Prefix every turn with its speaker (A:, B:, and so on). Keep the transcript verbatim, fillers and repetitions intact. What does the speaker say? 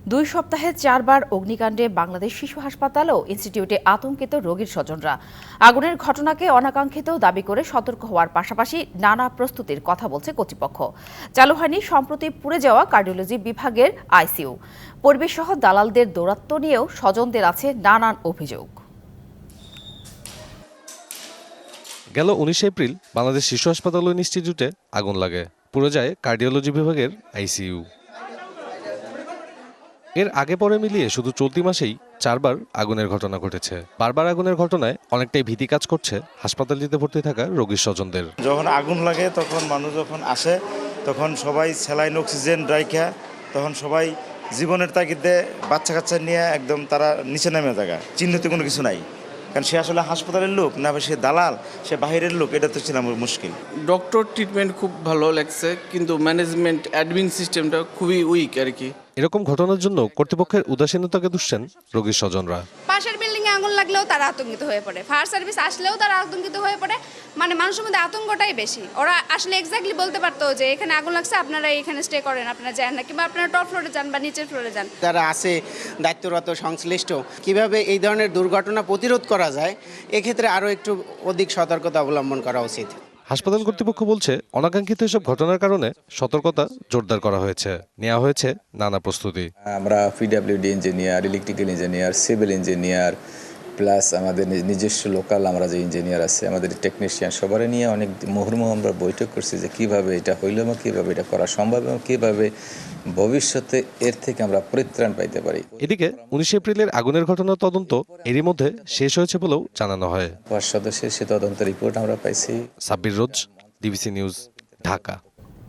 A: দুই সপ্তাহে চারবার অগ্নিকাণ্ডে বাংলাদেশ শিশু হাসপাতাল ও ইনস্টিটিউটে আতঙ্কিত রোগীর স্বজনরা। আগুনের ঘটনাকে অনাকাঙ্ক্ষিত দাবি করে সতর্ক হওয়ার পাশাপাশি নানা প্রস্তুতির কথা বলছে কর্তৃপক্ষ। চালু হয়নি সম্প্রতি পুড়ে যাওয়া কার্ডিওলজি বিভাগের আইসিইউ। পরিবেশসহ দালালদের দৌরাত্ম্য নিয়েও স্বজনদের আছে নানান অভিযোগ।
B: গেল উনিশে এপ্রিল বাংলাদেশ শিশু হাসপাতাল ও ইনস্টিটিউটে আগুন লাগে, পুড়ে যায় কার্ডিওলজি বিভাগের আইসিইউ। এর আগে পরে মিলিয়ে শুধু চলতি মাসেই চারবার আগুনের ঘটনা ঘটেছে। বারবার আগুনের ঘটনায় অনেকটাই ভীতি কাজ করছে হাসপাতালটিতে ভর্তি থাকা রোগীর স্বজনদের।
C: যখন আগুন লাগে তখন মানুষ যখন আসে তখন সবাই স্যালাইন অক্সিজেন রাইখা তখন সবাই জীবনের তাগিদে বাচ্চা কাচ্চা নিয়ে একদম তারা নিচে নেমে থাকা, চিহ্নিত কোনো কিছু নাই। কারণ সে আসলে হাসপাতালের লোক না, সে দালাল, সে বাহিরের লোক, এটা তো ছিল আমার মুশকিল।
D: ডক্টর ট্রিটমেন্ট খুব ভালো লাগছে, কিন্তু ম্যানেজমেন্ট অ্যাডমিন সিস্টেমটা খুবই উইক আর কি।
B: এরকম ঘটনার জন্য কর্তৃপক্ষের উদাসীনতাকে দুষছেন রোগীর স্বজনরা।
E: পাশের বিল্ডিংয়ে আগুন লাগলেও তারা আতঙ্কিত হয়ে পড়ে, ফায়ার সার্ভিস আসলেও তারা আতঙ্কিত হয়ে পড়ে। মানে মানুষের মধ্যে আতঙ্কটাই বেশি। ওরা আসলে এক্স্যাক্টলি বলতে পারতো যে এখানে আগুন লাগছে, আপনারা এখানে স্টে করেন, আপনারা যান না, কিংবা আপনারা টপ ফ্লোরে যান বা নিচের ফ্লোরে যান।
F: যারা আছে দায়িত্বরত সংশ্লিষ্ট, কিভাবে এই ধরনের দুর্ঘটনা প্রতিরোধ করা যায়, এক্ষেত্রে আরও একটু অধিক সতর্কতা অবলম্বন করা উচিত।
B: হাসপাতাল কর্তৃপক্ষ বলছে, অনাকাঙ্ক্ষিত এসব ঘটনার কারণে সতর্কতা জোরদার করা হয়েছে, নেওয়া হয়েছে নানা প্রস্তুতি।
G: আমরা PWD engineer, electrical engineer, civil engineer, plus আমাদের নিজস্ব লোকাল আমরা যে ইঞ্জিনিয়ার আছে, আমাদের টেকনিশিয়ান, সবারই নিয়ে অনেক মুহুর্মুহ আমরা বৈঠক করছি যে কীভাবে এটা হইল এবং কীভাবে এটা করা সম্ভব এবং কীভাবে ভবিষ্যতে এর থেকে আমরা পরিত্রাণ পাইতে পারি।
B: এদিকে উনিশে এপ্রিলের আগুনের ঘটনার তদন্ত এরই মধ্যে শেষ হয়েছে বলেও জানানো হয়।
G: পাঁচ সদস্যের সে তদন্ত রিপোর্ট আমরা পাইছি।
B: Sabbir Rose, DBC news, Dhaka.